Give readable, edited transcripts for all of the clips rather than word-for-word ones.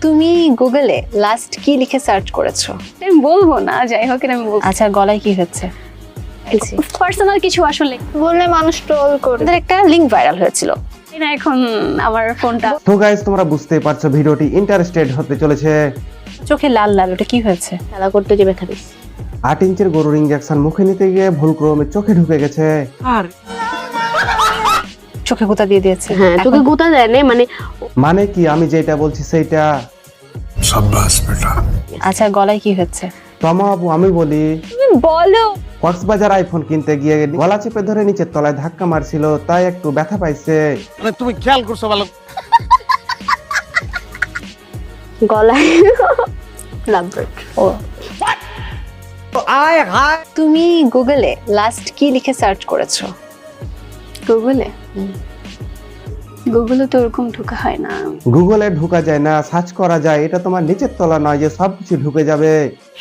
তুমি গুগলে লাস্ট কি লিখে সার্চ করেছো? আমি বলবো না, যাই হোক আমি বলবো। আচ্ছা, গলায় কি হচ্ছে? পার্সোনাল কিছু আসলে বললে মানুষ ট্রোল করে। ওদের একটা লিংক ভাইরাল হয়েছিল। না, এখন আমার ফোনটা তো গাইস, তোমরা বুঝতেই পারছো ভিডিওটি ইন্টারেস্টেড হতে চলেছে। চোখে লাল লাল, ওটা কি হয়েছে? খেলা করতে যে ব্যথা পেয়েছি। 8 ইঞ্চের গরুর ইঞ্জেকশন মুখে নিতে গিয়ে ভুল ক্রমে চোখে ঢুকে গেছে। চোখে গুঁতা দিয়ে দিয়েছে। হ্যাঁ, তোকে গোতা দেয় না, মানে কি, আমি যেটা বলছি সেইটা। আচ্ছা, গলায় কি হচ্ছে? তমা আপু, আমি বলি, তুমি বলো। কক্সবাজার আইফোন কিনতে গিয়ে গলা চেপে ধরে নিচের তলায় ধাক্কা মারছিল, তাই একটু ব্যথা পাইছে। মানে তুমি খেয়াল করছো ভালো? গলায় লাভবার্ড। ও, তুমি গুগলে লাস্ট কি লিখে সার্চ করেছো? গুগলে গুগলে তো ওরকম ঢোকা হয় না। গুগলে ঢুকা যায় না, সার্চ করা যায়। এটা তোমার নিচের তলা নয় যে সবকিছু ঢুকে যাবে।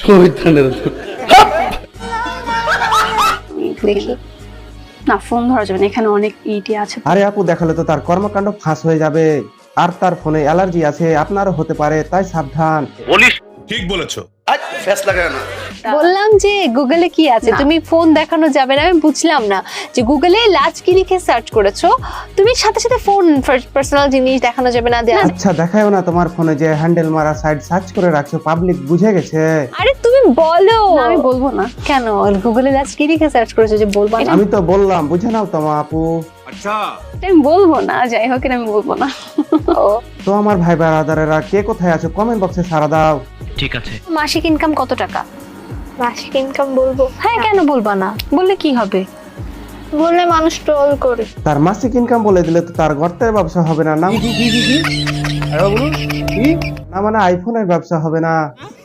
দেখি। না, ফোন ধরা যাবে না, এখানে অনেক ইটি আছে। আরে আপু, দেখালে তো তার কর্মকাণ্ড ফাঁস হয়ে যাবে। আর তার ফোনে অ্যালার্জি আছে, আপনারও হতে পারে, তাই সাবধান। ঠিক বলেছো। বললাম যে গুগলে কি আছে, তুমি ফোন দেখানো যাবে না। আমি বুঝলাম না যে গুগলে লাস্ট কি লিখে সার্চ করেছো, তুমি সাথে সাথে ফোন পার্সোনাল জিনিস দেখানো যাবে না। আচ্ছা, দেখায়ও না তোমার ফোনে যে হ্যান্ডেল মারা সাইড সার্চ করে রাখছো, পাবলিক বুঝে গেছে। আরে তুমি বলো। না, আমি বলবো না। কেন? গুগলে লাস্ট কি লিখে সার্চ করেছো যে বলবা না? আমি তো বললাম, বুঝে নাও তোমা আপু। আমি বলবো না, যাই হোক আমি বলবো না। তো আমার ভাই বারাদারেরা, কে কোথায় আছো কমেন্ট বক্সে সাড়া দাও। মাসিক ইনকাম কত টাকা? মাসিক ইনকাম বলবো? হ্যাঁ, কেন বলবা না? বললে কি হবে? বললে মানুষ ট্রোল করে। তার মাসিক ইনকাম বলে দিলে তো তার গর্তের ব্যবসা হবে না। না না, মানে আইফোনের ব্যবসা হবে না।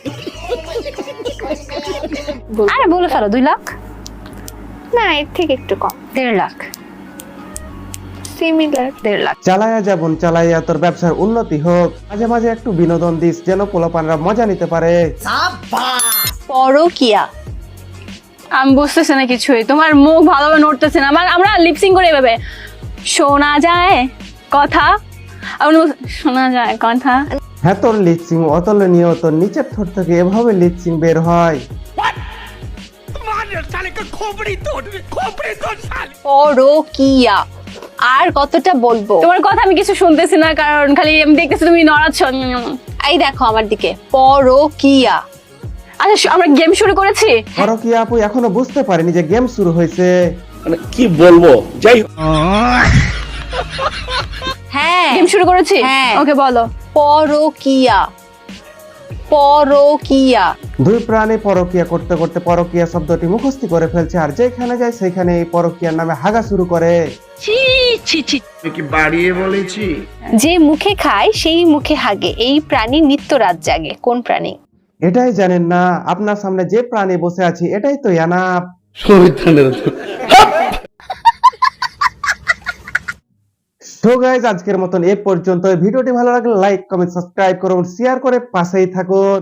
আরে বলে ফেলো, 2 লাখ, না, এর থেকে একটু কম। 1.5 লাখ, সিমিলার। 1.5 লাখ। চালাইয়া যাবন, চালাইয়া তোর ব্যবসার উন্নতি হোক। মাঝে মাঝে একটু বিনোদন দিস, যেন পোলাপানরা মজা নিতে পারে। পরকিয়া। আমি বুঝতেছি না কিছুই, তোমার মুখ ভালোভাবে নড়তেছে না। আমরা লিপসিং করে এভাবে শোনা যায় কথা, শোনা যায় কথা। হ্যাঁ, তোর লিপসিং অতুলনীয়। তোর নিচের ঠোঁট থেকে এভাবে লিপসিং বের হয়। পরকিয়া। আর কতটা বলবো? তোমার কথা আমি কিছু শুনতেছি না, কারণ খালি আমি দেখতেছি তুমি নড়াচ্ছ। এই দেখো আমার দিকে, পরকিয়া। আচ্ছা, আমরা গেম শুরু করেছি। পরকিয়া আপু এখনো বুঝতে পারেনি যে গেম শুরু হয়েছে। মানে কি বলবো, যাই হোক। হ্যাঁ, গেম শুরু করেছি। হ্যাঁ। ওকে, বলো। পরকিয়া। পরকিয়া। দুই প্রাণী পরকিয়া করতে করতে পরকিয়া শব্দটি মুখস্থ করে ফেলছে, আর যেখানে যায় সেখানে এই পরকিয়ার নামে হাগা শুরু করে। কি বাড়িয়ে বলেছি? যে মুখে খায় সেই মুখে হাগে, এই প্রাণী নিত্য রাত জাগে। কোন প্রাণী? এটাই জানেন না? আপনার সামনে যে প্রাণী বসে আছে এটাই তো ইয়ানাপ। সো গাইস, আজকের মতন এ পর্যন্ত। ভিডিওটি ভালো লাগলে লাইক, কমেন্ট, সাবস্ক্রাইব করুন, শেয়ার করে পাশেই থাকুন।